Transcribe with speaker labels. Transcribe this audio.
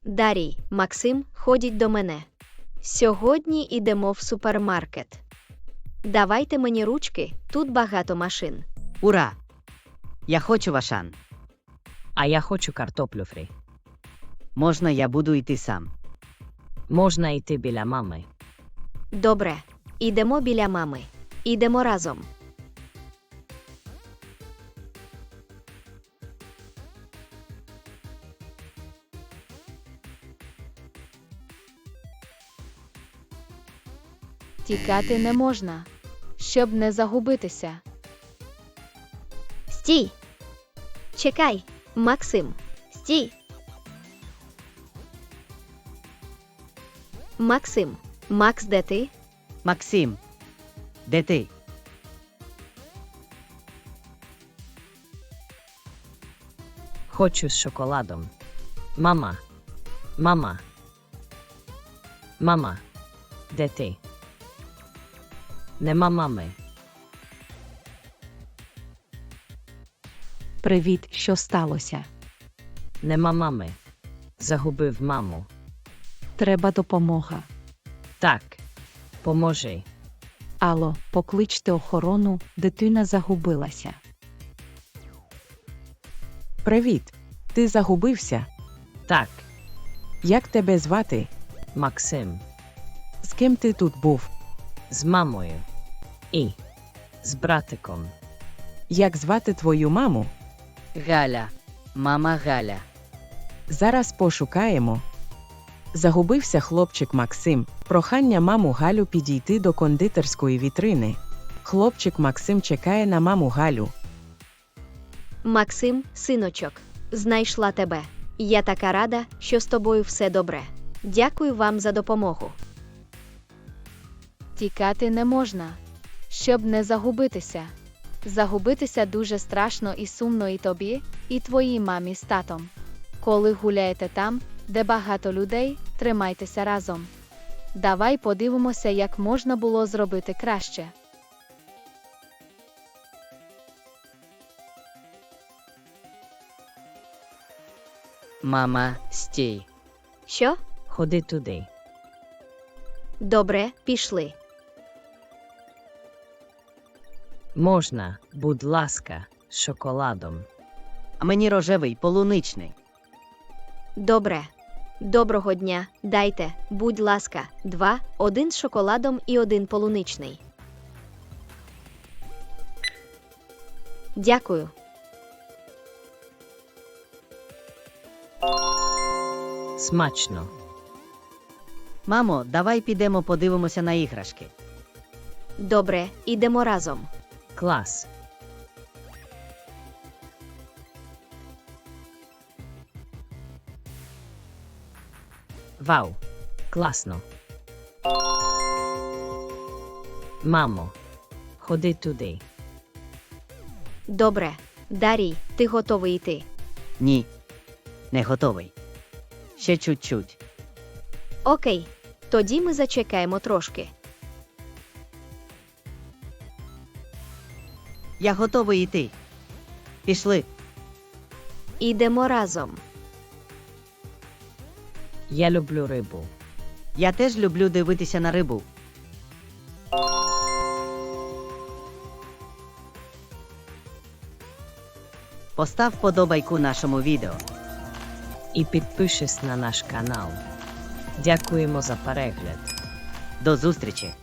Speaker 1: Дарій, Максим, ходіть до мене. Сьогодні ідемо в супермаркет. Давайте мені ручки, тут багато машин.
Speaker 2: Ура! Я хочу Вашан.
Speaker 3: А я хочу картоплю фрі.
Speaker 2: Можна я буду йти сам?
Speaker 3: Можна йти біля мами.
Speaker 1: Добре, ідемо біля мами. Ідемо разом.
Speaker 4: Тікати не можна, щоб не загубитися.
Speaker 1: Стій! Чекай, Максим, стій! Максим, Макс, де ти?
Speaker 2: Максим, де ти?
Speaker 3: Хочу з шоколадом. Мама. Мама. Мама. Де ти? Нема мами.
Speaker 5: Привіт, що сталося?
Speaker 3: Нема мами. Загубив маму.
Speaker 5: Треба допомога.
Speaker 3: Так. Поможи.
Speaker 5: Алло, покличте охорону, дитина загубилася.
Speaker 6: Привіт. Ти загубився?
Speaker 3: Так.
Speaker 6: Як тебе звати?
Speaker 3: Максим.
Speaker 6: З ким ти тут був?
Speaker 3: З мамою. І. З братиком.
Speaker 6: Як звати твою маму?
Speaker 2: Галя. Мама Галя.
Speaker 6: Зараз пошукаємо. Загубився хлопчик Максим. Прохання маму Галю підійти до кондитерської вітрини. Хлопчик Максим чекає на маму Галю.
Speaker 1: Максим, синочок, знайшла тебе. Я така рада, що з тобою все добре. Дякую вам за допомогу.
Speaker 4: Тікати не можна, щоб не загубитися. Загубитися дуже страшно і сумно і тобі, і твоїй мамі з татом. Коли гуляєте там, де багато людей, тримайтеся разом. Давай подивимося, як можна було зробити краще.
Speaker 2: Мама, стій.
Speaker 1: Що?
Speaker 3: Ходи туди.
Speaker 1: Добре, пішли.
Speaker 3: Можна, будь ласка, з шоколадом.
Speaker 2: А мені рожевий, полуничний.
Speaker 1: Добре. Доброго дня, дайте, будь ласка, 2, 1 з шоколадом і 1 полуничний. Дякую.
Speaker 3: Смачно.
Speaker 2: Мамо, давай підемо подивимося на іграшки.
Speaker 1: Добре, ідемо разом.
Speaker 3: Клас. Вау. Класно. Мамо, ходи туди.
Speaker 1: Добре. Дарій, ти готовий йти?
Speaker 2: Ні. Не готовий. Ще чуть-чуть.
Speaker 1: Окей. Тоді ми зачекаємо трошки.
Speaker 2: Я готовий йти. Пішли.
Speaker 1: Ідемо разом.
Speaker 3: Я люблю рибу.
Speaker 2: Я теж люблю дивитися на рибу. Постав подобайку нашому відео.
Speaker 3: І підпишись на наш канал. Дякуємо за перегляд.
Speaker 2: До зустрічі!